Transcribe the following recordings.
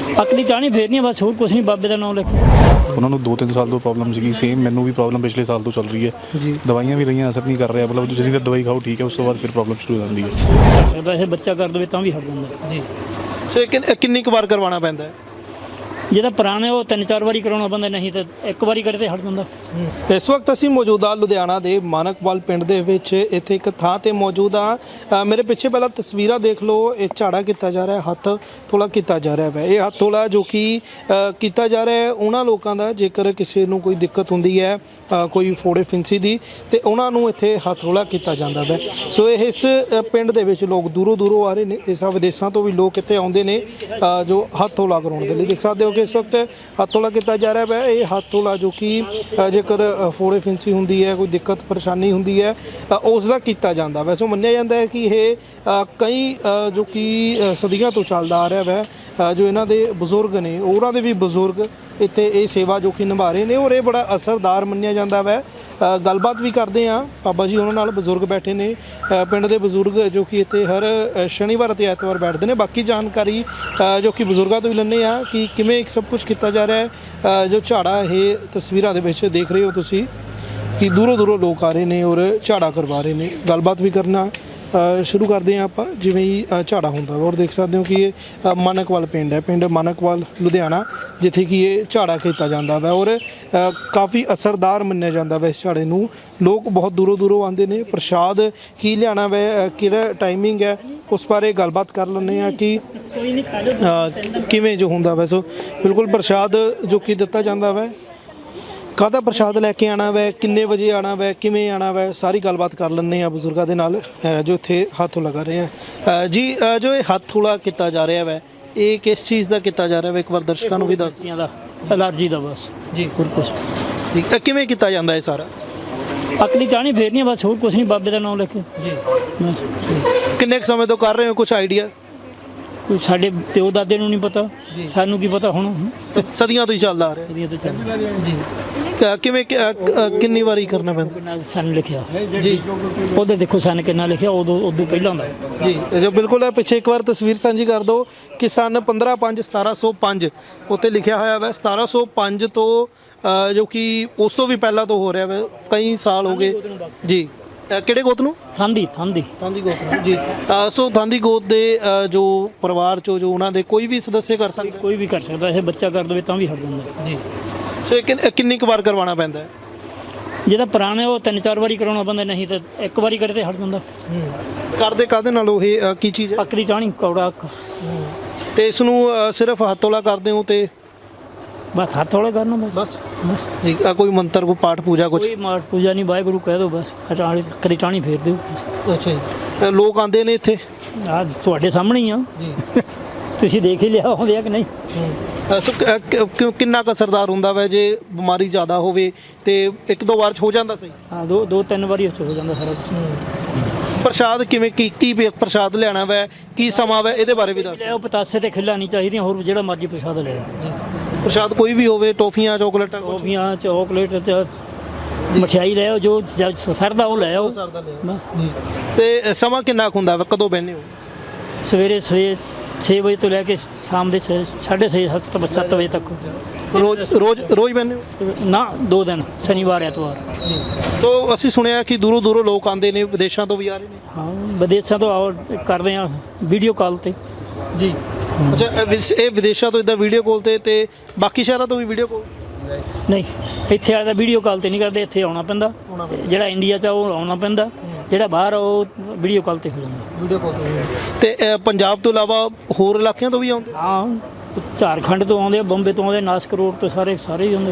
ਅੱਕ ਦੀ ਟਾਹਣੀ ਫੇਰਨੀ ਬਸ, ਹੋਰ ਕੁਛ ਨਹੀਂ, ਬਾਬੇ ਦਾ ਨਾਮ ਲੈ ਕੇ। ਉਹਨਾਂ ਨੂੰ 2-3 ਸਾਲ ਤੋਂ ਪ੍ਰੋਬਲਮ ਸੀਗੀ, ਸੇਮ ਮੈਨੂੰ ਵੀ ਪ੍ਰੋਬਲਮ ਪਿਛਲੇ ਸਾਲ ਤੋਂ ਚੱਲ ਰਹੀ ਹੈ ਜੀ। ਦਵਾਈਆਂ ਵੀ ਲਈਆਂ, ਅਸਰ ਨਹੀਂ ਕਰ ਰਿਹਾ, ਮਤਲਬ ਤੁਸੀਂ ਤਾਂ ਦਵਾਈ ਖਾਓ ਠੀਕ ਹੈ, ਉਸ ਤੋਂ ਬਾਅਦ ਫਿਰ ਪ੍ਰੋਬਲਮ ਸ਼ੁਰੂ ਹੋ ਜਾਂਦੀ ਹੈ। ਵੈਸੇ ਬੱਚਾ ਕਰ ਦੇਵੇ ਤਾਂ ਵੀ ਹਟ ਜਾਂਦਾ ਜੀ। ਸੋ ਕਿੰਨੀ ਕੁ ਵਾਰ ਕਰਵਾਉਣਾ ਪੈਂਦਾ ਹੈ? ਜਿਹਦਾ ਪੁਰਾਣੇ ਉਹ 3-4 ਵਾਰੀ ਕਰਾਉਣਾ ਪੈਂਦਾ, ਨਹੀਂ ਤਾਂ ਇੱਕ ਵਾਰੀ ਕਰਦੇ ਹਟ ਜਾਂਦਾ। ਇਸ ਵਕਤ ਅਸੀਂ ਮੌਜੂਦਾ ਲੁਧਿਆਣਾ ਦੇ ਮਾਨਕਵਾਲ ਪਿੰਡ ਦੇ ਵਿੱਚ, ਇੱਥੇ ਇੱਕ ਥਾਂ ਤੇ ਮੌਜੂਦ ਆ। ਮੇਰੇ ਪਿੱਛੇ ਪਹਿਲਾਂ ਤਸਵੀਰਾਂ ਦੇਖ ਲਓ, ਇਹ ਝਾੜਾ ਕੀਤਾ ਜਾ ਰਿਹਾ, ਹੱਥ ਥੋੜਾ ਕੀਤਾ ਜਾ ਰਿਹਾ ਹੈ। ਇਹ ਹੱਥ ਥੋੜਾ ਜੋ ਕਿ ਕੀਤਾ ਜਾ ਰਿਹਾ ਹੈ ਉਹਨਾਂ ਲੋਕਾਂ ਦਾ, ਜੇਕਰ ਕਿਸੇ ਨੂੰ ਕੋਈ ਦਿੱਕਤ ਹੁੰਦੀ ਹੈ, ਕੋਈ ਫੋੜੇ ਫਿੰਸੀ ਦੀ, ਤੇ ਉਹਨਾਂ ਨੂੰ ਇੱਥੇ ਹੱਥ ਥੋੜਾ ਕੀਤਾ ਜਾਂਦਾ ਹੈ। ਸੋ ਇਸ ਪਿੰਡ ਦੇ ਵਿੱਚ ਲੋਕ ਦੂਰੋਂ ਦੂਰੋਂ ਆ ਰਹੇ ਨੇ, ਦੇਸ਼ਾਂ ਵਿਦੇਸ਼ਾਂ ਤੋਂ ਵੀ ਲੋਕ ਇੱਥੇ ਆਉਂਦੇ ਨੇ ਜੋ ਹੱਥ ਥੋੜਾ ਕਰਾਉਣ ਦੇ ਲਈ। ਦੇਖ ਸਕਦੇ ਹੋ ਕਿ ਇਸ ਵਕਤ ਹੱਥ ਥੋੜਾ ਕੀਤਾ ਜਾ ਰਿਹਾ ਹੈ। ਇਹ ਹੱਥ ਥੋੜਾ ਜੋ ਕਿ ਜੇਕਰ ਫੋੜੇ ਫਿੰਸੀ ਹੁੰਦੀ ਹੈ, ਕੋਈ ਦਿੱਕਤ ਪਰੇਸ਼ਾਨੀ ਹੁੰਦੀ ਹੈ, ਉਸ ਦਾ ਕੀਤਾ ਜਾਂਦਾ। ਵੈਸੇ ਮੰਨਿਆ ਜਾਂਦਾ ਹੈ ਕਿ ਇਹ ਕਈ ਜੋ ਕਿ ਸਦੀਆਂ ਤੋਂ ਚੱਲਦਾ ਆ ਰਿਹਾ ਹੈ। ਜੋ ਇਹਨਾਂ ਦੇ ਬਜ਼ੁਰਗ ਨੇ, ਉਹਨਾਂ ਦੇ ਵੀ ਬਜ਼ੁਰਗ ਇੱਥੇ ਇਹ ਸੇਵਾ ਜੋ ਕਿ ਨਿਭਾ ਰਹੇ ਨੇ, ਔਰ ਇਹ ਬੜਾ ਅਸਰਦਾਰ ਮੰਨਿਆ ਜਾਂਦਾ ਵੈ। ਗੱਲਬਾਤ ਵੀ ਕਰਦੇ ਹਾਂ ਬਾਬਾ ਜੀ ਉਹਨਾਂ ਨਾਲ, ਬਜ਼ੁਰਗ ਬੈਠੇ ਨੇ, ਪਿੰਡ ਦੇ ਬਜ਼ੁਰਗ ਜੋ ਕਿ ਇੱਥੇ ਹਰ ਸ਼ਨੀਵਾਰ ਅਤੇ ਐਤਵਾਰ ਬੈਠਦੇ ਨੇ। ਬਾਕੀ ਜਾਣਕਾਰੀ ਜੋ ਕਿ ਬਜ਼ੁਰਗਾਂ ਤੋਂ ਹੀ ਲੈਂਦੇ ਹਾਂ ਕਿ ਕਿਵੇਂ ਸਭ ਕੁਝ ਕੀਤਾ ਜਾ ਰਿਹਾ ਹੈ। ਜੋ ਝਾੜਾ ਇਹ ਤਸਵੀਰਾਂ ਦੇ ਵਿੱਚ ਦੇਖ ਰਹੇ ਹੋ ਤੁਸੀਂ ਕਿ ਦੂਰੋਂ ਦੂਰੋਂ ਲੋਕ ਆ ਰਹੇ ਨੇ ਔਰ ਝਾੜਾ ਕਰਵਾ ਰਹੇ ਨੇ। ਗੱਲਬਾਤ ਵੀ ਕਰਨਾ ਸ਼ੁਰੂ ਕਰਦੇ ਹਾਂ ਆਪਾਂ, ਜਿਵੇਂ ਹੀ ਝਾੜਾ ਹੁੰਦਾ। ਔਰ ਦੇਖ ਸਕਦੇ ਹੋ ਕਿ ਇਹ ਮਾਨਕਵਾਲ ਪਿੰਡ ਹੈ, ਪਿੰਡ ਮਾਨਕਵਾਲ ਲੁਧਿਆਣਾ, ਜਿੱਥੇ ਕਿ ਇਹ ਝਾੜਾ ਕੀਤਾ ਜਾਂਦਾ ਵਾ ਔਰ ਕਾਫੀ ਅਸਰਦਾਰ ਮੰਨਿਆ ਜਾਂਦਾ ਵਾ ਇਸ ਝਾੜੇ ਨੂੰ। ਲੋਕ ਬਹੁਤ ਦੂਰੋਂ ਦੂਰੋਂ ਆਉਂਦੇ ਨੇ। ਪ੍ਰਸ਼ਾਦ ਕੀ ਲਿਆਉਣਾ ਵਾ, ਕਿਹੜਾ ਟਾਈਮਿੰਗ ਹੈ, ਉਸ ਬਾਰੇ ਗੱਲਬਾਤ ਕਰ ਲੈਂਦੇ ਹਾਂ ਕਿ ਕਿਵੇਂ ਜੋ ਹੁੰਦਾ ਵਾ। ਸੋ ਬਿਲਕੁਲ ਪ੍ਰਸ਼ਾਦ ਜੋ ਕਿ ਦਿੱਤਾ ਜਾਂਦਾ ਵਾ, ਕਾਹਦਾ ਪ੍ਰਸ਼ਾਦ ਲੈ ਕੇ ਆਉਣਾ ਵੈ, ਕਿੰਨੇ ਵਜੇ ਆਉਣਾ ਵੈ, ਕਿਵੇਂ ਆਉਣਾ ਵੈ, ਸਾਰੀ ਗੱਲਬਾਤ ਕਰ ਲੈਂਦੇ ਆ ਬਜ਼ੁਰਗਾਂ ਦੇ ਨਾਲ ਜੋ ਇੱਥੇ ਹੱਥ ਲਗਾ ਰਹੇ ਆ। ਜੀ, ਜੋ ਇਹ ਹੱਥ ਥੋੜਾ ਕੀਤਾ ਜਾ ਰਿਹਾ ਵੈ, ਇਹ ਕਿਸ ਚੀਜ਼ ਦਾ ਕੀਤਾ ਜਾ ਰਿਹਾ ਵੈ, ਇੱਕ ਵਾਰ ਦਰਸ਼ਕਾਂ ਨੂੰ ਵੀ ਦੱਸ ਦਿਓ। ਦਾ ਐਲਰਜੀ ਦਾ ਬਸ ਜੀ। ਹੋਰ ਕੁਛ ਠੀਕ, ਕਿਵੇਂ ਕੀਤਾ ਜਾਂਦਾ ਇਹ ਸਾਰਾ? ਅੱਕ ਦੀ ਟਾਹਣੀ ਫੇਰਨੀ ਬਸ, ਹੋਰ ਕੁਛ ਨਹੀਂ, ਬਾਬੇ ਦਾ ਨਾਮ ਲੈ ਕੇ। ਜੀ। ਬਸ। ਕਿੰਨੇ ਕੁ ਸਮੇਂ ਤੋਂ ਕਰ ਰਹੇ ਹੋ, ਕੁਝ ਆਈਡੀਆ? ਕੋਈ ਸਾਡੇ ਪਿਓ ਦਾਦੇ ਨੂੰ ਨਹੀਂ ਪਤਾ, ਸਾਨੂੰ ਕੀ ਪਤਾ ਹੁਣ। ਸਦੀਆਂ ਤੋਂ ਹੀ ਚੱਲਦਾ ਆ ਰਿਹਾ ਇਹਦੀਆਂ ਤਾਂ ਚੱਲ ਜੀ। ਕਿਵੇਂ ਕਿੰਨੀ ਵਾਰੀ ਕਰਨਾ ਪੈਂਦਾ? ਕਿੰਨਾ ਸਨ ਲਿਖਿਆ ਜੀ। ਉਹਦੇ ਦੇਖੋ ਸਨ ਕਿੰਨਾ ਲਿਖਿਆ, ਉਦੋਂ ਪਹਿਲਾਂ ਹੁੰਦਾ ਜੀ। ਜੋ ਬਿਲਕੁਲ ਹੈ, ਪਿੱਛੇ ਇੱਕ ਵਾਰ ਤਸਵੀਰ ਸਾਂਝੀ ਕਰ ਦਿਓ ਕਿ ਸਨ 15/5/1705 ਉੱਤੇ ਲਿਖਿਆ ਹੋਇਆ ਵਾ। 1705 ਤੋਂ ਜੋ ਕਿ ਉਸ ਤੋਂ ਵੀ ਪਹਿਲਾਂ ਤੋਂ ਹੋ ਰਿਹਾ ਵਾ, ਕਈ ਸਾਲ ਹੋ ਗਏ ਜੀ। ਕਿਹੜੇ ਗੋਤ ਨੂੰ? ਥਾਂਦੀ ਗੋਤ ਨੂੰ ਜੀ। ਸੋ ਥਾਂਦੀ ਗੋਤ ਦੇ ਜੋ ਪਰਿਵਾਰ ਚੋਂ ਜੋ ਉਹਨਾਂ ਦੇ ਕੋਈ ਵੀ ਸਦੱਸਿਆ ਕਰ ਸਕਦਾ? ਕੋਈ ਵੀ ਕਰ ਸਕਦਾ, ਇਹ ਬੱਚਾ ਕਰ ਦੇਵੇ ਤਾਂ ਵੀ ਹਟ ਜਾਂਦਾ ਜੀ। ਸੋ ਕਿੰਨੀ ਕੁ ਵਾਰ ਕਰਵਾਉਣਾ ਪੈਂਦਾ ਹੈ? ਜਿਹਦਾ ਪੁਰਾਣੇ ਉਹ 3-4 ਵਾਰੀ ਕਰਾਉਣਾ ਪੈਂਦਾ, ਨਹੀਂ ਤਾਂ ਇੱਕ ਵਾਰੀ ਕਰਦੇ ਹਟ ਜਾਂਦਾ। ਕਰਦੇ ਕਾਹਦੇ ਨਾਲ ਉਹ ਇਹ ਕੀ ਚੀਜ਼ ਹੈ? ਅੱਕ ਦੀ ਟਾਹਣੀ, ਕੌੜਾ ਅੱਕ। ਤੇ ਇਸ ਨੂੰ ਸਿਰਫ ਹੱਥੋਲਾ ਕਰਦੇ ਹੋ ਤੇ ਬਸ ਹੱਥ ਹੌਲਾ ਕਰਨਾ ਬਸ। ਠੀਕ। ਕੋਈ ਮੰਤਰ, ਕੋਈ ਪਾਠ ਪੂਜਾ ਕੁਝ? ਕੋਈ ਮਾਠ ਪੂਜਾ ਨਹੀਂ, ਵਾਹਿਗੁਰੂ ਕਹਿ ਦਿਓ ਬਸ, ਕਦੀ ਟਾਹਣੀ ਫੇਰ ਦਿਓ। ਅੱਛਾ ਜੀ। ਲੋਕ ਆਉਂਦੇ ਨੇ ਇੱਥੇ? ਆ ਤੁਹਾਡੇ ਸਾਹਮਣੇ ਹੀ ਆ ਜੀ। ਤੁਸੀਂ ਦੇਖ ਹੀ ਲਿਆ ਆਉਂਦੇ ਆ ਕਿ ਨਹੀਂ। ਕਿੰਨਾ ਕੁ ਅਸਰਦਾਰ ਹੁੰਦਾ ਵਾ? ਜੇ ਬਿਮਾਰੀ ਜ਼ਿਆਦਾ ਹੋਵੇ ਤੇ 1-2 ਵਾਰ 'ਚ ਹੋ ਜਾਂਦਾ ਸਹੀ? ਹਾਂ, 2-3 ਵਾਰੀ ਹੋ ਜਾਂਦਾ ਸਾਰਾ ਕੁਛ। ਪ੍ਰਸ਼ਾਦ ਕਿਵੇਂ, ਕੀ ਪ੍ਰਸ਼ਾਦ ਲਿਆਉਣਾ ਵਾ, ਕੀ ਸਮਾਂ ਵਾ, ਇਹਦੇ ਬਾਰੇ ਵੀ ਦੱਸ। ਉਹ ਪਤਾਸੇ ਤੇ ਖਿੱਲਾ ਨਹੀਂ ਚਾਹੀਦੀਆਂ, ਹੋਰ ਜਿਹੜਾ ਮਰਜ਼ੀ ਪ੍ਰਸ਼ਾਦ ਲੈ ਆਓ। ਪ੍ਰਸ਼ਾਦ ਕੋਈ ਵੀ ਹੋਵੇ, ਟੋਫੀਆਂ, ਚੋਕਲੇਟਾਂ? ਟੋਫੀਆਂ, ਚੋਕਲੇਟ ਤੇ ਮਠਿਆਈ ਲੈ ਆਓ, ਜੋ ਸਰਦਾ ਉਹ ਲੈ ਆਓ। ਤੇ ਸਮਾਂ ਕਿੰਨਾ ਕੁ ਹੁੰਦਾ ਵਾ, ਕਦੋਂ ਬਹਿੰਦੇ ਹੋ? ਸਵੇਰੇ 6 ਵਜੇ ਤੋਂ ਲੈ ਕੇ ਸ਼ਾਮ ਦੇ 6:30-7 ਵਜੇ ਤੱਕ। ਰੋਜ਼ ਬਹਿੰਦੇ ਹੋ? ਨਾ, 2 ਦਿਨ, ਸ਼ਨੀਵਾਰ ਐਤਵਾਰ। ਸੋ ਅਸੀਂ ਸੁਣਿਆ ਕਿ ਦੂਰੋਂ ਦੂਰੋਂ ਲੋਕ ਆਉਂਦੇ ਨੇ, ਵਿਦੇਸ਼ਾਂ ਤੋਂ ਵੀ ਆ ਰਹੇ ਨੇ? ਹਾਂ, ਵਿਦੇਸ਼ਾਂ ਤੋਂ ਆਓ, ਕਰਦੇ ਆ ਵੀਡੀਓ ਕਾਲ ਤੇ ਜੀ। ਅੱਛਾ, ਇਹ ਵਿਦੇਸ਼ਾਂ ਤੋਂ ਇੱਦਾਂ ਵੀਡੀਓ ਕਾਲ ਤੇ ਬਾਕੀ ਸ਼ਹਿਰਾਂ ਤੋਂ ਵੀ ਵੀਡੀਓ ਕਾਲ? ਨਹੀਂ, ਇੱਥੇ ਵਾਲੇ ਦਾ ਵੀਡੀਓ ਕਾਲ ਤੇ ਨਹੀਂ ਕਰਦੇ, ਇੱਥੇ ਆਉਣਾ ਪੈਂਦਾ। ਜਿਹੜਾ ਇੰਡੀਆ 'ਚ ਉਹ ਆਉਣਾ ਪੈਂਦਾ, ਜਿਹੜਾ ਬਾਹਰ ਉਹ ਵੀਡੀਓ ਕਾਲ ਤੇ ਹੋ ਜਾਂਦਾ। ਵੀਡੀਓ ਕਾਲ ਤੇ ਪੰਜਾਬ ਤੋਂ ਇਲਾਵਾ ਹੋਰ ਇਲਾਕਿਆਂ ਤੋਂ ਵੀ ਆਉਂਦੇ? ਹਾਂ, ਝਾਰਖੰਡ ਤੋਂ ਆਉਂਦੇ, ਬੰਬੇ ਤੋਂ ਆਉਂਦੇ, ਨਾਸਿਕ ਰੋਡ ਤੋਂ ਸਾਰੇ ਹੀ ਆਉਂਦੇ।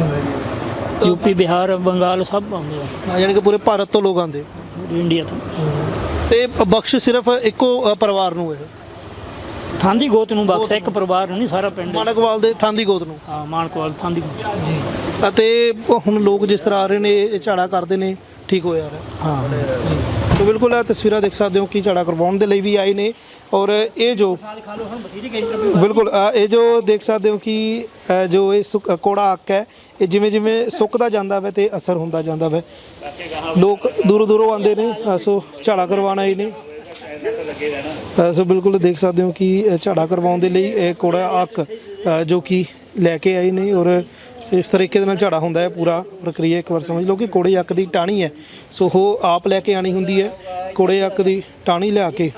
ਯੂਪੀ, ਬਿਹਾਰ, ਬੰਗਾਲ ਸਭ ਆਉਂਦੇ ਆ। ਯਾਨੀ ਕਿ ਪੂਰੇ ਭਾਰਤ ਤੋਂ ਲੋਕ ਆਉਂਦੇ ਇੰਡੀਆ ਤੋਂ। ਤੇ ਬਖਸ਼ ਸਿਰਫ ਇੱਕੋ ਪਰਿਵਾਰ ਨੂੰ ਹੈ? ਥਾਂਦੀ ਗੋਤ ਨੂੰ ਬਖਸ਼, ਇੱਕ ਪਰਿਵਾਰ ਨੂੰ ਨਹੀਂ, ਸਾਰਾ ਪਿੰਡ। ਮਾਨਕਵਾਲ ਦੇ ਥਾਂਦੀ ਗੋਤ ਨੂੰ? ਹਾਂ, ਮਾਨਕਵਾਲ ਥਾਂਦੀ ਗੋਤ ਜੀ। ਅਤੇ ਹੁਣ ਲੋਕ ਜਿਸ ਤਰ੍ਹਾਂ ਆ ਰਹੇ ਨੇ, ਇਹ ਝਾੜਾ ਕਰਦੇ ਨੇ, ਠੀਕ ਹੋ ਜਾ ਰਿਹਾ? ਹਾਂ। तो बिल्कुल आ तस्वीर देख सकते हो कि झाड़ा करवाने के लिए भी आए ने और ये जो बिल्कुल ये जो देख सकते हो कि जो ये कोड़ा अक है ये जिमें जिमें सुकता जाता है तो असर होता जाता है। लोग दूरों दूरों आते हैं सो झाड़ा करवाना ही ने ਸੋ ਬਿਲਕੁਲ ਦੇਖ ਸਕਦੇ ਹੋ ਕਿ ਝਾੜਾ ਕਰਵਾਉਣ ਦੇ ਲਈ ਇਹ ਕੋੜਾ ਅੱਕ ਜੋ ਕਿ ਲੈ ਕੇ ਆਏ ਨੇ ਔਰ ਇਸ ਤਰੀਕੇ ਦੇ ਨਾਲ ਝਾੜਾ ਹੁੰਦਾ ਹੈ। ਪੂਰਾ ਪ੍ਰਕਿਰਿਆ ਇੱਕ ਵਾਰ ਸਮਝ ਲਓ ਕਿ ਕੋੜੇ ਅੱਕ ਦੀ ਟਾਹਣੀ ਹੈ, ਸੋ ਉਹ ਆਪ ਲੈ ਕੇ ਆਣੀ ਹੁੰਦੀ ਹੈ। ਕੋੜੇ ਅੱਕ ਦੀ ਟਾਹਣੀ ਲਿਆ ਕੇ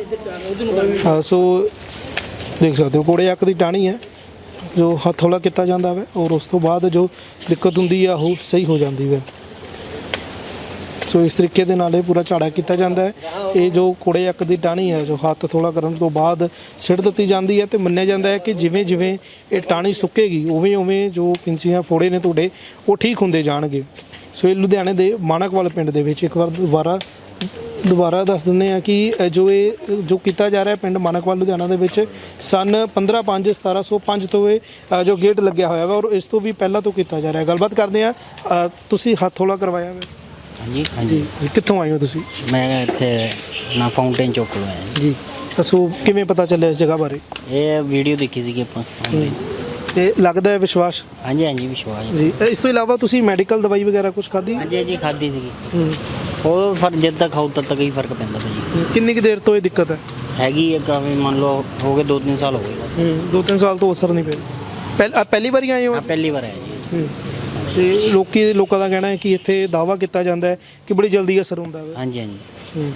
ਸੋ ਦੇਖ ਸਕਦੇ ਹੋ ਕੋੜੇ ਅੱਕ ਦੀ ਟਾਹਣੀ ਹੈ ਜੋ ਹੱਥੋਲਾ ਕੀਤਾ ਜਾਂਦਾ ਹੈ ਔਰ ਉਸ ਤੋਂ ਬਾਅਦ ਜੋ ਦਿੱਕਤ ਹੁੰਦੀ ਆ ਉਹ ਸਹੀ ਹੋ ਜਾਂਦੀ ਹੈ। ਸੋ ਇਸ ਤਰੀਕੇ ਦੇ ਨਾਲ ਇਹ ਪੂਰਾ ਝਾੜਾ ਕੀਤਾ ਜਾਂਦਾ ਹੈ। ਇਹ ਜੋ ਕੋੜੇ ਅੱਕ ਦੀ ਟਾਹਣੀ ਹੈ ਜੋ ਹੱਥ ਥੋੜਾ ਕਰਨ ਤੋਂ ਬਾਅਦ ਸਿੱਟ ਦਿੱਤੀ ਜਾਂਦੀ ਹੈ ਤੇ ਮੰਨਿਆ ਜਾਂਦਾ ਹੈ ਕਿ ਜਿਵੇਂ ਜਿਵੇਂ ਇਹ ਟਾਹਣੀ ਸੁੱਕੇਗੀ ਉਵੇਂ ਉਵੇਂ ਜੋ ਫਿੰਸੀਆਂ ਫੋੜੇ ਨੇ ਤੁਹਾਡੇ ਉਹ ਠੀਕ ਹੁੰਦੇ ਜਾਣਗੇ। ਸੋ ਇਹ ਲੁਧਿਆਣੇ ਦੇ ਮਾਣਕਵਾਲ ਪਿੰਡ ਦੇ ਵਿੱਚ ਇੱਕ ਵਾਰ ਦੁਬਾਰਾ ਦੱਸ ਦਿੰਦੇ ਆ ਕਿ ਜੋ ਕੀਤਾ ਜਾ ਰਿਹਾ ਪਿੰਡ ਮਾਣਕਵਾਲ ਲੁਧਿਆਣਾ ਦੇ ਵਿੱਚ ਸਨ 15/5/1705 ਤੋਂ ਇਹ ਜੋ ਗੇਟ ਲੱਗਿਆ ਹੋਇਆ ਵਾ ਔਰ ਇਸ ਤੋਂ ਵੀ ਪਹਿਲਾਂ ਤੋਂ ਕੀਤਾ ਜਾ ਰਿਹਾ। ਗੱਲਬਾਤ ਕਰਦੇ ਆ, ਤੁਸੀਂ ਹੱਥੋਲਾ ਕਰਵਾਇਆ ਵਾ? ਹਾਂਜੀ ਹਾਂਜੀ। ਕਿੱਥੋਂ ਆਏ ਹੋ ਤੁਸੀਂ? ਮੈਂ ਇੱਥੇ ਨਾ ਫਾਊਂਟੇਨ ਚੌਕ ਤੋਂ ਆਇਆ ਜੀ। ਦੱਸੋ ਕਿਵੇਂ ਪਤਾ ਚੱਲਿਆ ਇਸ ਜਗ੍ਹਾ ਬਾਰੇ? ਇਹ ਵੀਡੀਓ ਦੇਖੀ ਸੀਗੀ ਆਪਾਂ online। ਤੇ ਲੱਗਦਾ ਹੈ ਵਿਸ਼ਵਾਸ? ਹਾਂਜੀ ਹਾਂਜੀ ਵਿਸ਼ਵਾਸ ਹੈ। ਜੀ। ਇਸ ਤੋਂ ਇਲਾਵਾ ਤੁਸੀਂ ਮੈਡੀਕਲ ਦਵਾਈ ਵਗੈਰਾ ਕੁਝ ਖਾਧੀ? ਹਾਂਜੀ ਹਾਂਜੀ ਖਾਧੀ ਸੀਗੀ। ਉਹ ਫਰਕ ਜਦ ਤੱਕ ਖਾਓ ਤਦ ਤੱਕ ਹੀ ਫਰਕ ਪੈਂਦਾ ਭਾਜੀ। ਕਿੰਨੀ ਕੁ ਦੇਰ ਤੋਂ ਇਹ ਦਿੱਕਤ ਹੈ? ਹੈਗੀ ਹੈ ਕਾਫੀ, ਮੰਨ ਲਓ ਹੋ ਗਏ 2-3 ਸਾਲ ਹੋ ਗਏ। 2-3 ਸਾਲ ਤੋਂ ਅਸਰ ਨਹੀਂ ਪਿਆ। ਪਹਿਲੀ ਵਾਰੀ ਆਏ ਹੋ? ਹਾਂ ਪਹਿਲੀ ਵਾਰ ਆਇਆ ਜੀ। ਤੇ ਲੋਕਾਂ ਦਾ ਕਹਿਣਾ ਹੈ ਕਿ ਇੱਥੇ ਦਾਅਵਾ ਕੀਤਾ ਜਾਂਦਾ ਹੈ ਕਿ ਬੜੀ ਜਲਦੀ ਅਸਰ ਹੁੰਦਾ ਹੈ। ਹਾਂਜੀ ਹਾਂਜੀ।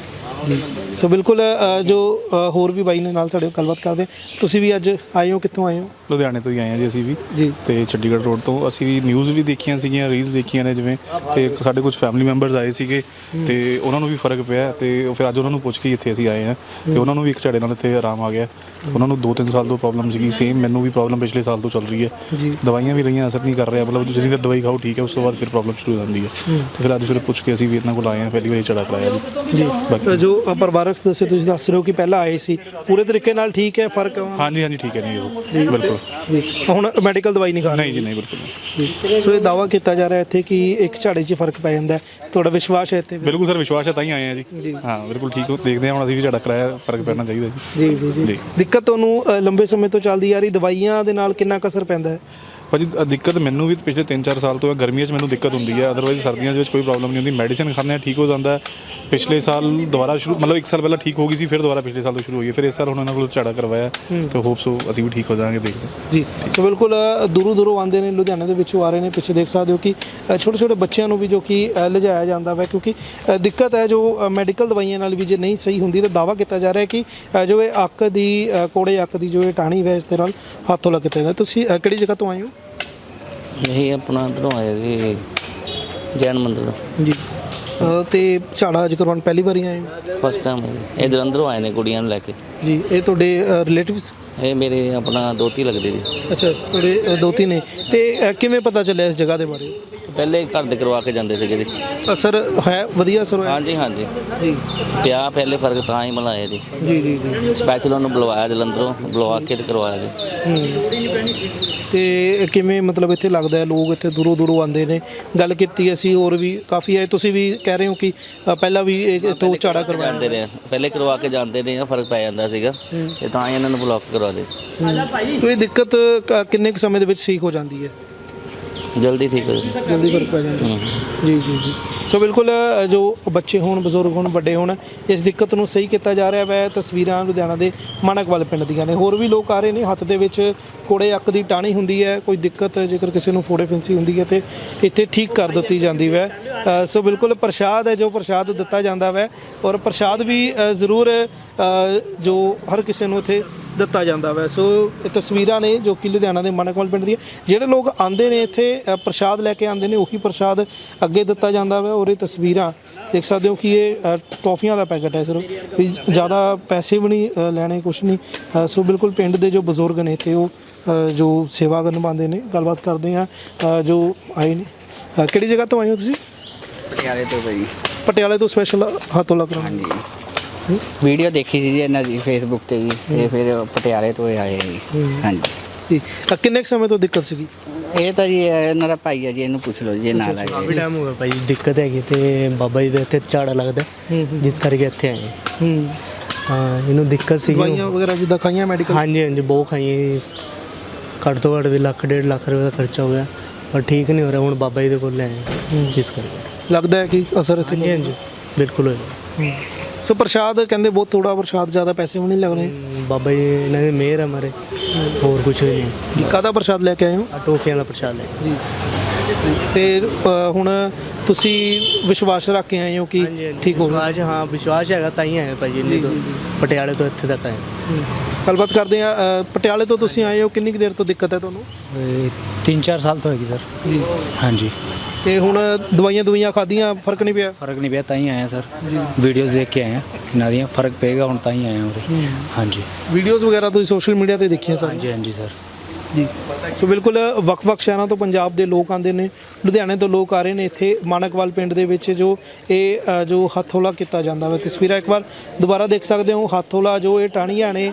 ਸੋ ਬਿਲਕੁਲ ਜੋ ਹੋਰ ਵੀ ਬਾਈ ਨੇ ਨਾਲ ਸਾਡੇ ਗੱਲਬਾਤ ਕਰਦੇ। ਤੁਸੀਂ ਵੀ ਅੱਜ ਆਏ ਹੋ? ਕਿੱਥੋਂ ਆਏ ਹੋ? ਲੁਧਿਆਣੇ ਤੋਂ ਹੀ ਆਏ ਹਾਂ ਜੀ ਅਸੀਂ ਵੀ ਜੀ। ਤੇ ਚੰਡੀਗੜ੍ਹ ਰੋਡ ਤੋਂ ਅਸੀਂ ਵੀ ਨਿਊਜ਼ ਵੀ ਦੇਖੀਆਂ ਸੀਗੀਆਂ, ਰੀਲਸ ਦੇਖੀਆਂ ਨੇ ਜਿਵੇਂ, ਤੇ ਸਾਡੇ ਕੁਝ ਫੈਮਿਲੀ ਮੈਂਬਰਸ ਆਏ ਸੀਗੇ ਤੇ ਉਹਨਾਂ ਨੂੰ ਵੀ ਫਰਕ ਪਿਆ ਤੇ ਫਿਰ ਅੱਜ ਉਹਨਾਂ ਨੂੰ ਪੁੱਛ ਕੇ ਇੱਥੇ ਅਸੀਂ ਆਏ ਹਾਂ ਤੇ ਉਹਨਾਂ ਨੂੰ ਵੀ ਇੱਕ ਝਾੜੇ ਨਾਲ ਇੱਥੇ ਆਰਾਮ ਆ ਗਿਆ। ਉਹਨਾਂ ਨੂੰ 2-3 ਸਾਲ ਤੋਂ ਪ੍ਰੋਬਲਮ ਸੀਗੀ, ਸੇਮ ਮੈਨੂੰ ਵੀ ਪ੍ਰੋਬਲਮ ਪਿਛਲੇ ਸਾਲ ਤੋਂ ਚੱਲ ਰਹੀ ਹੈ। ਦਵਾਈਆਂ ਵੀ ਲਈਆਂ, ਅਸਰ ਨਹੀਂ ਕਰ ਰਿਹਾ, ਮਤਲਬ ਜਿਹੜੀ ਤਾਂ ਦਵਾਈ ਖਾਓ ਠੀਕ ਹੈ, ਉਸ ਤੋਂ ਬਾਅਦ ਫਿਰ ਪ੍ਰੋਬਲਮ ਸ਼ੁਰੂ ਹੋ ਜਾਂਦੀ ਹੈ। ਤੇ ਫਿਰ ਅੱਜ ਫਿਰ ਪੁੱਛ ਕੇ ਅਸੀਂ ਵੀ ਇਹਨਾਂ ਕੋਲ ਆਏ ਹਾਂ, ਪਹਿਲੀ ਵਾਰੀ ਝਾੜਾ ਕਰਾਇਆ ਜੀ। ਬਾਕੀ ਜੋ ਪਰਿਵਾਰਕ ਸਦੱਸਿਆ ਤੁਸੀਂ ਦੱਸ ਰਹੇ ਹੋ ਕਿ ਪਹਿਲਾਂ ਆਏ ਸੀ, ਪੂਰੇ ਤਰੀਕੇ ਨਾਲ ਠੀਕ ਹੈ, ਫਰਕ? ਹਾਂਜੀ ਹਾਂਜੀ ਠੀਕ ਹੈ ਜੀ, ਉਹ ਬਿਲਕੁਲ। ਹੁਣ ਮੈਡੀਕਲ ਦਵਾਈ ਨਹੀਂ ਖਾ ਰਹੇ? ਨਹੀਂ ਜੀ ਨਹੀਂ, ਬਿਲਕੁਲ ਨਹੀਂ। ਸੋ ਇਹ ਦਾਅਵਾ ਕੀਤਾ ਜਾ ਰਿਹਾ ਇੱਥੇ ਕਿ ਇੱਕ ਝਾੜੇ 'ਚ ਫਰਕ ਪੈ ਜਾਂਦਾ ਹੈ। ਤੁਹਾਡਾ ਵਿਸ਼ਵਾਸ ਹੈ ਇੱਥੇ? ਬਿਲਕੁਲ ਸਰ, ਵਿਸ਼ਵਾਸ ਹੈ ਤਾਂ ਹੀ ਆਏ ਹਾਂ ਜੀ। ਹਾਂ ਬਿਲਕੁਲ ਠੀਕ ਹੋ, ਦੇਖਦੇ ਹਾਂ ਹੁਣ ਅਸੀਂ ਵੀ ਝਾੜਾ ਕਰਾਇਆ, ਫਰਕ ਪੈਣਾ ਚਾਹੀਦਾ ਜੀ। ਜੀ ਜੀ ਜੀ। ਦਿੱਕਤ ਤੁਹਾਨੂੰ ਲੰਬੇ ਸਮੇਂ ਤੋਂ ਚੱਲਦੀ ਆ ਰਹੀ, ਦਵਾਈਆਂ ਦੇ ਨਾਲ ਕਿੰਨਾ ਕੁ ਅਸਰ ਪੈਂਦਾ ਹੈ? ਭਾਜੀ ਦਿੱਕਤ ਮੈਨੂੰ ਵੀ ਪਿਛਲੇ 3-4 ਸਾਲ ਤੋਂ ਹੈ। ਗਰਮੀਆਂ 'ਚ ਮੈਨੂੰ ਦਿੱਕਤ ਹੁੰਦੀ ਹੈ, ਅਦਰਵਾਈਜ਼ ਸਰਦੀਆਂ ਦੇ ਵਿੱਚ ਕੋਈ ਪ੍ਰੋਬਲਮ ਨਹੀਂ ਹੁੰਦੀ। ਮੈਡੀਸਿਨ ਖਾਂਦੇ ਹਾਂ ਠੀਕ ਹੋ ਜਾਂਦਾ ਹੈ। ਪਿਛਲੇ ਸਾਲ ਦੁਬਾਰਾ ਸ਼ੁਰੂ, ਮਤਲਬ 1 ਸਾਲ ਪਹਿਲਾਂ ਠੀਕ ਹੋ ਗਈ ਸੀ, ਫਿਰ ਦੁਬਾਰਾ ਪਿਛਲੇ ਸਾਲ ਤੋਂ ਸ਼ੁਰੂ ਹੋਈ ਹੈ। ਫਿਰ ਇਸ ਸਾਲ ਹੁਣ ਇਹਨਾਂ ਕੋਲ ਝਾੜਾ ਕਰਵਾਇਆ ਤੇ ਹੋਪ ਸੋ ਅਸੀਂ ਵੀ ਠੀਕ ਹੋ ਜਾਵਾਂਗੇ, ਦੇਖਦੇ ਜੀ। ਸੋ ਬਿਲਕੁਲ ਦੂਰੋਂ ਆਉਂਦੇ ਨੇ, ਲੁਧਿਆਣੇ ਦੇ ਵਿੱਚੋਂ ਆ ਰਹੇ ਨੇ। ਪਿੱਛੇ ਦੇਖ ਸਕਦੇ ਹੋ ਕਿ ਛੋਟੇ ਬੱਚਿਆਂ ਨੂੰ ਵੀ ਜੋ ਕਿ ਲਿਜਾਇਆ ਜਾਂਦਾ ਵਾ, ਕਿਉਂਕਿ ਦਿੱਕਤ ਹੈ ਜੋ ਮੈਡੀਕਲ ਦਵਾਈਆਂ ਨਾਲ ਵੀ ਜੇ ਨਹੀਂ ਸਹੀ ਹੁੰਦੀ ਤਾਂ ਦਾਅਵਾ ਕੀਤਾ ਜਾ ਰਿਹਾ ਕਿ ਜੋ ਇਹ ਅੱਕ ਦੀ ਕੋੜੇ ਅੱਕ ਦੀ ਜੋ ਇਹ ਟਾਹਣੀ ਵੈ ਇਸ ਦੇ ਨਾਲ ਹੱਥੋਂ ਲੱਗ ਕੀਤਾ ਜਾਂਦਾ। ਤੁਸੀਂ ਕਿਹੜੀ ਜਗ੍ਹਾ ਤੋਂ ਆਏ ਹੋ? ਇਹ ਆਪਣਾ ਇੱਧਰੋਂ ਆਇਆ ਜੀ, ਜੈਨ ਮੰਦਰ ਦਾ ਜੀ। ਤੇ ਝਾੜਾ ਅੱਜ ਕਰਵਾਉਣ ਪਹਿਲੀ ਵਾਰੀ ਆਏ ਹੋ? ਫਸਟ ਟਾਈਮ ਇਹ ਜਲੰਧਰੋਂ ਆਏ ਨੇ ਕੁੜੀਆਂ ਨੂੰ ਲੈ ਕੇ ਜੀ। ਇਹ ਤੁਹਾਡੇ ਰਿਲੇਟਿਵਸ? ਇਹ ਮੇਰੇ ਆਪਣਾ ਦੋਤੀ ਲੱਗਦੇ ਜੀ। ਅੱਛਾ, ਤੁਹਾਡੇ ਦੋਤੀ ਨੇ। ਤੇ ਕਿਵੇਂ ਪਤਾ ਚੱਲਿਆ ਇਸ ਜਗ੍ਹਾ ਦੇ ਬਾਰੇ? ਪਹਿਲੇ ਘਰ ਦੇ ਕਰਵਾ ਕੇ ਜਾਂਦੇ ਸੀਗੇ ਜੀ। ਅਸਰ ਹੈ? ਵਧੀਆ ਅਸਰ ਹੋਇਆ? ਹਾਂਜੀ ਹਾਂਜੀ ਜੀ। ਪਿਆ ਪਹਿਲੇ ਫਰਕ ਤਾਂ ਹੀ ਮਿਲਾਇਆ ਜੀ। ਜੀ ਜੀ ਜੀ। ਸਪੈਸ਼ਲ ਉਹਨੂੰ ਬੁਲਵਾਇਆ ਜਲੰਧਰੋਂ, ਬੁਲਵਾ ਕੇ ਤੇ ਕਰਵਾਇਆ ਜੀ। ਤੇ ਕਿਵੇਂ ਮਤਲਬ ਇੱਥੇ ਲੱਗਦਾ ਹੈ ਲੋਕ ਇੱਥੇ ਦੂਰੋਂ ਆਉਂਦੇ ਨੇ? ਗੱਲ ਕੀਤੀ ਅਸੀਂ, ਹੋਰ ਵੀ ਕਾਫੀ ਆਏ। ਤੁਸੀਂ ਵੀ ਕਹਿ ਰਹੇ ਹੋ ਕਿ ਪਹਿਲਾਂ ਵੀ ਇੱਥੋਂ ਝਾੜਾ ਕਰਵਾਇਆ? ਜਾਂਦੇ ਰਹੇ, ਪਹਿਲੇ ਕਰਵਾ ਕੇ ਜਾਂਦੇ ਨੇ, ਫਰਕ ਪੈ ਜਾਂਦਾ ਸੀਗਾ ਤੇ ਤਾਂ ਹੀ ਇਹਨਾਂ ਨੂੰ ਬਲੌਕ ਕਰਵਾ ਦੇ। ਤੇ ਇਹ ਦਿੱਕਤ ਕਿੰਨੇ ਕੁ ਸਮੇਂ ਦੇ ਵਿੱਚ ਠੀਕ ਹੋ ਜਾਂਦੀ ਹੈ? ਜਲਦੀ ਠੀਕ ਹੋ ਜਾਂਦਾ। ਜਲਦੀ ਫਰਕ ਪੈ ਜਾਂਦਾ। ਜੀ ਜੀ ਜੀ। ਸੋ ਬਿਲਕੁਲ ਜੋ ਬੱਚੇ ਹੋਣ, ਬਜ਼ੁਰਗ ਹੋਣ, ਵੱਡੇ ਹੋਣ, ਇਸ ਦਿੱਕਤ ਨੂੰ ਸਹੀ ਕੀਤਾ ਜਾ ਰਿਹਾ ਹੈ। ਤਸਵੀਰਾਂ ਲੁਧਿਆਣਾ ਦੇ ਮਾਣਕਵਾਲ ਪਿੰਡ ਦੀਆਂ ਨੇ। ਹੋਰ ਵੀ ਲੋਕ ਆ ਰਹੇ ਨੇ। ਹੱਥ ਦੇ ਵਿੱਚ ਕੋੜੇ ਅੱਕ ਦੀ ਟਾਹਣੀ ਹੁੰਦੀ ਹੈ, ਕੋਈ ਦਿੱਕਤ ਜੇਕਰ ਕਿਸੇ ਨੂੰ ਫੋੜੇ ਫਿੰਸੀ ਹੁੰਦੀ ਹੈ ਤੇ ਇੱਥੇ ਠੀਕ ਕਰ ਦਿੱਤੀ ਜਾਂਦੀ ਹੈ। ਸੋ ਬਿਲਕੁਲ ਪ੍ਰਸ਼ਾਦ ਹੈ ਜੋ ਪ੍ਰਸ਼ਾਦ ਦਿੱਤਾ ਜਾਂਦਾ ਹੈ ਔਰ ਪ੍ਰਸ਼ਾਦ ਵੀ ਜ਼ਰੂਰ ਜੋ ਹਰ ਕਿਸੇ ਨੂੰ ਇੱਥੇ ਦਿੱਤਾ ਜਾਂਦਾ ਵਾ। ਸੋ ਇਹ ਤਸਵੀਰਾਂ ਨੇ ਜੋ ਕਿ ਲੁਧਿਆਣਾ ਦੇ ਮਾਣਕਵਾਲ ਪਿੰਡ ਦੀਆਂ। ਜਿਹੜੇ ਲੋਕ ਆਉਂਦੇ ਨੇ ਇੱਥੇ ਪ੍ਰਸ਼ਾਦ ਲੈ ਕੇ ਆਉਂਦੇ ਨੇ, ਉਹੀ ਪ੍ਰਸ਼ਾਦ ਅੱਗੇ ਦਿੱਤਾ ਜਾਂਦਾ ਵਾ। ਔਰ ਇਹ ਤਸਵੀਰਾਂ ਦੇਖ ਸਕਦੇ ਹੋ ਕਿ ਇਹ ਟੌਫੀਆਂ ਦਾ ਪੈਕਟ ਹੈ ਸਿਰਫ, ਵੀ ਜ਼ਿਆਦਾ ਪੈਸੇ ਵੀ ਨਹੀਂ ਲੈਣੇ, ਕੁਛ ਨਹੀਂ। ਸੋ ਬਿਲਕੁਲ ਪਿੰਡ ਦੇ ਜੋ ਬਜ਼ੁਰਗ ਨੇ ਇੱਥੇ ਉਹ ਜੋ ਸੇਵਾ ਨਿਭਾਉਂਦੇ ਨੇ। ਗੱਲਬਾਤ ਕਰਦੇ ਹਾਂ ਜੋ ਆਏ ਨੇ। ਕਿਹੜੀ ਜਗ੍ਹਾ ਤੋਂ ਆਏ ਹੋ ਤੁਸੀਂ? ਪਟਿਆਲੇ ਤੋਂ ਭਾਈ। ਪਟਿਆਲੇ ਤੋਂ ਸਪੈਸ਼ਲ ਹੱਥੋਲਾ ਕਰਾਉਣਾ? ਹਾਂਜੀ, ਵੀਡੀਓ ਦੇਖੀ ਸੀ ਜੀ ਇਹਨਾਂ ਦੀ ਫੇਸਬੁੱਕ ਤੇ ਜੀ, ਤੇ ਫਿਰ ਪਟਿਆਲੇ ਤੋਂ ਆਏ ਜੀ। ਹਾਂਜੀ ਜੀ। ਕਿੰਨੇ ਕੁ ਸਮੇਂ ਤੋਂ ਦਿੱਕਤ ਸੀਗੀ? ਇਹ ਤਾਂ ਜੀ ਇਹਨਾਂ ਦਾ ਭਾਈ ਹੈ ਜੀ, ਇਹਨੂੰ ਪੁੱਛ ਲਓ ਜੀ, ਨਾਲ ਆ ਕਾਫੀ ਟਾਈਮ ਹੋ ਗਿਆ ਭਾਈ ਦਿੱਕਤ ਹੈਗੀ ਤੇ ਬਾਬਾ ਜੀ ਦੇ ਇੱਥੇ ਝਾੜਾ ਲੱਗਦਾ ਜਿਸ ਕਰਕੇ ਇੱਥੇ ਆਏ ਹਾਂ। ਇਹਨੂੰ ਦਿੱਕਤ ਸੀ। ਦਵਾਈਆਂ ਵਗੈਰਾ ਜਿੱਦਾਂ ਖਾਈਆਂ ਮੈਡੀਕਲ? ਹਾਂਜੀ ਹਾਂਜੀ ਬਹੁਤ ਖਾਈਆਂ, ਘੱਟ ਤੋਂ ਘੱਟ ਵੀ 1.5 ਲੱਖ ਰੁਪਏ ਦਾ ਖਰਚਾ ਹੋ ਗਿਆ ਪਰ ਠੀਕ ਨਹੀਂ ਹੋ ਰਿਹਾ। ਹੁਣ ਬਾਬਾ ਜੀ ਦੇ ਕੋਲ ਲੈ ਆਏ ਜਿਸ ਕਰਕੇ ਲੱਗਦਾ ਹੈ ਕਿ ਅਸਰ ਇੱਥੇ? ਹਾਂਜੀ ਹਾਂਜੀ ਬਿਲਕੁਲ ਹੋਇਆ। ਸੋ ਪ੍ਰਸ਼ਾਦ ਕਹਿੰਦੇ ਬਹੁਤ ਥੋੜਾ ਪ੍ਰਸ਼ਾਦ, ਜ਼ਿਆਦਾ ਪੈਸੇ ਵੀ ਨਹੀਂ ਲੱਗਣੇ। ਬਾਬਾ ਜੀ ਇਹਨਾਂ ਦੀ ਮਿਹਰ ਹੈ ਹਮਾਰੇ, ਹੋਰ ਕੁਝ ਨਹੀਂ। ਕਾਹਦਾ ਪ੍ਰਸ਼ਾਦ ਲੈ ਕੇ ਆਏ ਹੋ? ਟੋਫੀਆਂ ਦਾ ਪ੍ਰਸ਼ਾਦ ਲੈ ਜੀ। ਤੇ ਹੁਣ ਤੁਸੀਂ ਵਿਸ਼ਵਾਸ ਰੱਖ ਕੇ ਆਏ ਹੋ ਕਿ ਠੀਕ ਹੋ ਵਿਸ਼ਵਾਸ, ਹਾਂ ਵਿਸ਼ਵਾਸ ਹੈਗਾ ਤਾਂ ਹੀ ਆਏ ਭਾਜੀ ਇੰਨੀ ਤੋਂ, ਪਟਿਆਲੇ ਤੋਂ ਇੱਥੇ ਤੱਕ ਆਏ। ਗੱਲਬਾਤ ਕਰਦੇ ਆ। ਪਟਿਆਲੇ ਤੋਂ ਤੁਸੀਂ ਆਏ ਹੋ, ਕਿੰਨੀ ਕੁ ਦੇਰ ਤੋਂ ਦਿੱਕਤ ਹੈ ਤੁਹਾਨੂੰ? 3-4 ਸਾਲ ਤੋਂ ਹੈਗੀ ਸਰ। ਜੀ। ਹਾਂਜੀ, ਤੇ ਹੁਣ ਦਵਾਈਆਂ ਖਾਧੀਆਂ, ਫਰਕ ਨਹੀਂ ਪਿਆ? ਫਰਕ ਨਹੀਂ ਪਿਆ ਤਾਂ ਹੀ ਆਏ ਹਾਂ ਸਰ। ਵੀਡੀਓਜ਼ ਦੇਖ ਕੇ ਆਏ ਹਾਂ ਕਿੰਨਾ ਦੀਆਂ, ਫਰਕ ਪਏਗਾ ਹੁਣ ਤਾਂ ਹੀ ਆਏ ਹਾਂ ਉਰੇ। ਹਾਂਜੀ ਵੀਡੀਓਜ਼ ਵਗੈਰਾ ਤੁਸੀਂ ਸੋਸ਼ਲ ਮੀਡੀਆ ਤੇ ਦੇਖੀਆਂ ਸਰ? ਹਾਂਜੀ ਹਾਂਜੀ ਸਰ। ਜੀ। ਸੋ ਬਿਲਕੁਲ ਵੱਖ-ਵੱਖ ਸ਼ਹਿਰਾਂ ਤੋਂ ਪੰਜਾਬ ਦੇ ਲੋਕ ਆਉਂਦੇ ਨੇ, ਲੁਧਿਆਣੇ ਤੋਂ ਲੋਕ ਆ ਰਹੇ ਨੇ ਇੱਥੇ ਮਾਨਕਵਾਲ ਪਿੰਡ ਦੇ ਵਿੱਚ ਜੋ ਇਹ ਜੋ ਹੱਥੋਲਾ ਕੀਤਾ ਜਾਂਦਾ ਵਾ। ਤਸਵੀਰਾਂ ਇੱਕ ਵਾਰ ਦੁਬਾਰਾ ਦੇਖ ਸਕਦੇ ਹੋ। ਹੱਥੋਲਾ ਜੋ ਇਹ ਟਾਹਣੀਆਂ ਨੇ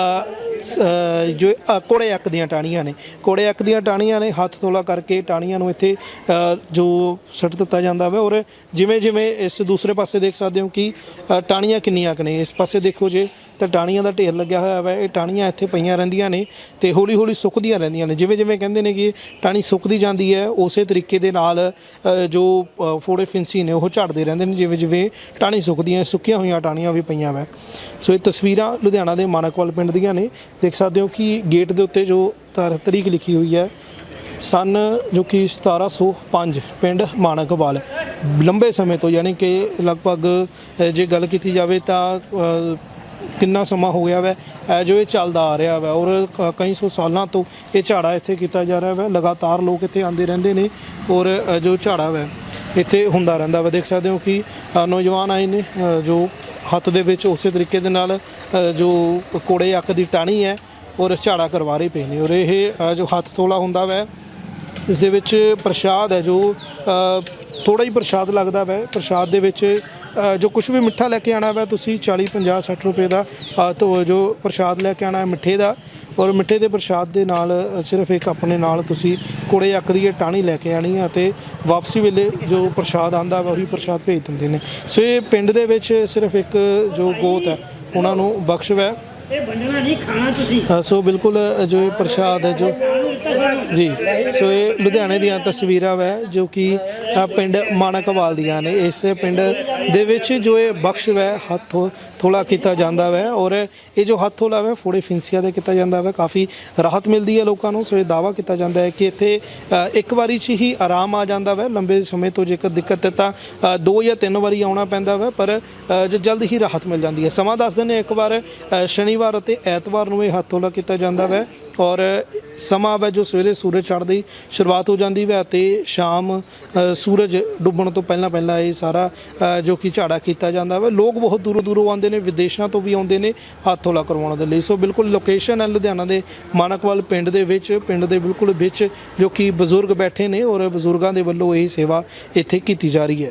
ਜੋ ਕੋੜੇ ਅੱਕ ਦੀਆਂ ਟਾਹਣੀਆਂ ਨੇ, ਕੋੜੇ ਅੱਕ ਦੀਆਂ ਟਾਹਣੀਆਂ ਨੇ, ਹੱਥ ਤੋਲਾ ਕਰਕੇ ਟਾਹਣੀਆਂ ਨੂੰ ਇੱਥੇ ਜੋ ਸੁੱਟ ਦਿੱਤਾ ਜਾਂਦਾ ਵਾ। ਔਰ ਜਿਵੇਂ ਜਿਵੇਂ ਇਸ ਦੂਸਰੇ ਪਾਸੇ ਦੇਖ ਸਕਦੇ ਹੋ ਕਿ ਟਾਹਣੀਆਂ ਕਿੰਨੀਆਂ ਕੁ ਨੇ, ਇਸ ਪਾਸੇ ਦੇਖੋ ਜੇ ਤਾਂ ਟਾਹਣੀਆਂ ਦਾ ਢੇਰ ਲੱਗਿਆ ਹੋਇਆ ਵਾ। ਇਹ ਟਾਹਣੀਆਂ ਇੱਥੇ ਪਈਆਂ ਰਹਿੰਦੀਆਂ ਨੇ ਤੇ ਹੌਲੀ ਹੌਲੀ ਸੁੱਕਦੀਆਂ ਰਹਿੰਦੀਆਂ ਨੇ। ਜਿਵੇਂ ਜਿਵੇਂ ਕਹਿੰਦੇ ਨੇ ਕਿ ਟਾਹਣੀ ਸੁੱਕਦੀ ਜਾਂਦੀ ਹੈ, ਉਸੇ ਤਰੀਕੇ ਦੇ ਨਾਲ ਜੋ ਫੋੜੇ ਫਿੰਸੀ ਨੇ ਉਹ ਝੜਦੇ ਰਹਿੰਦੇ ਨੇ ਜਿਵੇਂ ਜਿਵੇਂ ਟਾਹਣੀ ਸੁੱਕਦੀਆਂ। ਸੁੱਕੀਆਂ ਹੋਈਆਂ ਟਾਹਣੀਆਂ ਵੀ ਪਈਆਂ ਵਾ। ਸੋ ਇਹ ਤਸਵੀਰਾਂ ਲੁਧਿਆਣਾ ਦੇ ਮਾਨਕਵਾਲ ਪਿੰਡ ਦੀਆਂ ਨੇ। ਦੇਖ ਸਕਦੇ ਹੋ ਕਿ ਗੇਟ ਦੇ ਉੱਤੇ ਜੋ ਤਰੀਕ ਲਿਖੀ ਹੋਈ ਹੈ, ਸਨ ਜੋ ਕਿ 1705, ਪਿੰਡ ਮਾਨਕਵਾਲ। ਲੰਬੇ ਸਮੇਂ ਤੋਂ, ਯਾਨੀ ਕਿ ਲਗਭਗ ਜੇ ਗੱਲ ਕੀਤੀ ਜਾਵੇ ਤਾਂ ਕਿੰਨਾ ਸਮਾਂ ਹੋ ਗਿਆ ਵੈ ਜੋ ਇਹ ਚੱਲਦਾ ਆ ਰਿਹਾ ਵਾ। ਔਰ ਕਈ ਸੌ ਸਾਲਾਂ ਤੋਂ ਇਹ ਝਾੜਾ ਇੱਥੇ ਕੀਤਾ ਜਾ ਰਿਹਾ ਵਾ। ਲਗਾਤਾਰ ਲੋਕ ਇੱਥੇ ਆਉਂਦੇ ਰਹਿੰਦੇ ਨੇ ਔਰ ਜੋ ਝਾੜਾ ਵਾ ਇੱਥੇ ਹੁੰਦਾ ਰਹਿੰਦਾ ਵਾ। ਦੇਖ ਸਕਦੇ ਹੋ ਕਿ ਨੌਜਵਾਨ ਆਏ ਨੇ ਜੋ ਹੱਥ ਦੇ ਵਿੱਚ ਉਸੇ ਤਰੀਕੇ ਦੇ ਨਾਲ ਜੋ ਕੋੜੇ ਅੱਕ ਦੀ ਟਾਹਣੀ ਹੈ ਔਰ ਝਾੜਾ ਕਰਵਾ ਰਹੇ ਪਏ ਨੇ। ਔਰ ਇਹ ਜੋ ਹੱਥ ਤੋਲਾ ਹੁੰਦਾ ਵੈ, ਇਸ ਦੇ ਵਿੱਚ ਪ੍ਰਸ਼ਾਦ ਹੈ ਜੋ ਥੋੜਾ ਹੀ ਪ੍ਰਸ਼ਾਦ ਲੱਗਦਾ ਵੈ। ਪ੍ਰਸ਼ਾਦ ਦੇ ਵਿੱਚ ਜੋ ਕੁਝ ਵੀ ਮਿੱਠਾ ਲੈ ਕੇ ਆਣਾ ਵੈ ਤੁਸੀਂ 40, 50, 60 ਰੁਪਏ ਦਾ ਜੋ ਪ੍ਰਸ਼ਾਦ ਲੈ ਕੇ ਆਣਾ ਮਿੱਠੇ ਦਾ। ਔਰ ਮਿੱਠੇ ਦੇ ਪ੍ਰਸ਼ਾਦ ਦੇ ਨਾਲ ਸਿਰਫ ਇੱਕ ਆਪਣੇ ਨਾਲ ਤੁਸੀਂ ਕੋੜੇ ਅੱਕ ਦੀ ਟਾਹਣੀ ਲੈ ਕੇ ਆਣੀ ਹੈ ਅਤੇ ਵਾਪਸੀ ਵੇਲੇ ਜੋ ਪ੍ਰਸ਼ਾਦ ਆਂਦਾ ਵਾ ਉਹੀ ਪ੍ਰਸ਼ਾਦ ਭੇਜ ਦਿੰਦੇ ਨੇ। ਸੋ ਇਹ ਪਿੰਡ ਦੇ ਵਿੱਚ ਸਿਰਫ ਇੱਕ ਜੋ ਗੋਤ ਹੈ ਉਹਨਾਂ ਨੂੰ ਬਖਸ਼ ਹੈ। ਇਹ ਵੰਡਣਾ ਨਹੀਂ, ਖਾਣਾ ਤੁਸੀਂ। ਸੋ ਬਿਲਕੁਲ ਜੋ ਇਹ ਪ੍ਰਸ਼ਾਦ ਹੈ ਜੋ ਜੀ। ਸੋ ਇਹ ਲੁਧਿਆਣੇ ਦੀਆਂ ਤਸਵੀਰਾਂ ਵੈ ਜੋ ਕਿ ਪਿੰਡ ਮਾਨਕਵਾਲ ਦੀਆਂ ਨੇ। ਇਸ ਪਿੰਡ ਦੇ ਵਿੱਚ ਜੋ ਇਹ ਬਖਸ਼ ਵੈ ਹੱਥ ਥੋਲਾ ਕੀਤਾ ਜਾਂਦਾ ਵੈ। ਔਰ ਇਹ ਜੋ ਹੱਥ ਥੋਲਾ ਵੈ ਫੋੜੇ ਫਿੰਸੀਆਂ ਦੇ ਕੀਤਾ ਜਾਂਦਾ ਵੈ। ਕਾਫੀ ਰਾਹਤ ਮਿਲਦੀ ਹੈ ਲੋਕਾਂ ਨੂੰ। ਸੋ ਇਹ ਦਾਅਵਾ ਕੀਤਾ ਜਾਂਦਾ ਹੈ ਕਿ ਇੱਥੇ ਇੱਕ ਵਾਰੀ 'ਚ ਹੀ ਆਰਾਮ ਆ ਜਾਂਦਾ ਵੈ। ਲੰਬੇ ਸਮੇਂ ਤੋਂ ਜੇਕਰ ਦਿੱਕਤ ਹੈ ਤਾਂ 2 ਜਾਂ 3 ਵਾਰੀ ਆਉਣਾ ਪੈਂਦਾ ਵੈ, ਪਰ ਜੋ ਜਲਦ ਹੀ ਰਾਹਤ ਮਿਲ ਜਾਂਦੀ ਹੈ। ਸਮਾਂ ਦੱਸ ਦਿੰਦੇ ਇੱਕ ਵਾਰ ਸ਼ਨੀਵਾਰ ਅਤੇ ਐਤਵਾਰ ਨੂੰ ਇਹ ਹੱਥ ਥੋਲਾ ਕੀਤਾ ਜਾਂਦਾ ਵੈ। ਔਰ ਸਮਾਂ ਵੈ ਜੋ ਸਵੇਰੇ ਸੂਰਜ ਚੜ੍ਹਦੀ ਸ਼ੁਰੂਆਤ ਹੋ ਜਾਂਦੀ ਵੈ ਅਤੇ ਸ਼ਾਮ ਸੂਰਜ ਡੁੱਬਣ ਤੋਂ ਪਹਿਲਾਂ ਪਹਿਲਾਂ ਇਹ ਸਾਰਾ ਜੋ ਕਿ ਝਾੜਾ ਕੀਤਾ ਜਾਂਦਾ ਵਾ। ਲੋਕ ਬਹੁਤ ਦੂਰੋਂ ਦੂਰੋਂ ਆਉਂਦੇ ਨੇ, ਵਿਦੇਸ਼ਾਂ ਤੋਂ ਵੀ ਆਉਂਦੇ ਨੇ ਹੱਥ ਥੋਲਾ ਕਰਵਾਉਣ ਦੇ ਲਈ। ਸੋ ਬਿਲਕੁਲ ਲੋਕੇਸ਼ਨ ਹੈ ਲੁਧਿਆਣਾ ਦੇ ਮਾਨਕਵਾਲ ਪਿੰਡ ਦੇ ਵਿੱਚ, ਪਿੰਡ ਦੇ ਬਿਲਕੁਲ ਵਿੱਚ ਜੋ ਕਿ ਬਜ਼ੁਰਗ ਬੈਠੇ ਨੇ ਔਰ ਬਜ਼ੁਰਗਾਂ ਦੇ ਵੱਲੋਂ ਇਹ ਸੇਵਾ ਇੱਥੇ ਕੀਤੀ ਜਾ ਰਹੀ ਹੈ।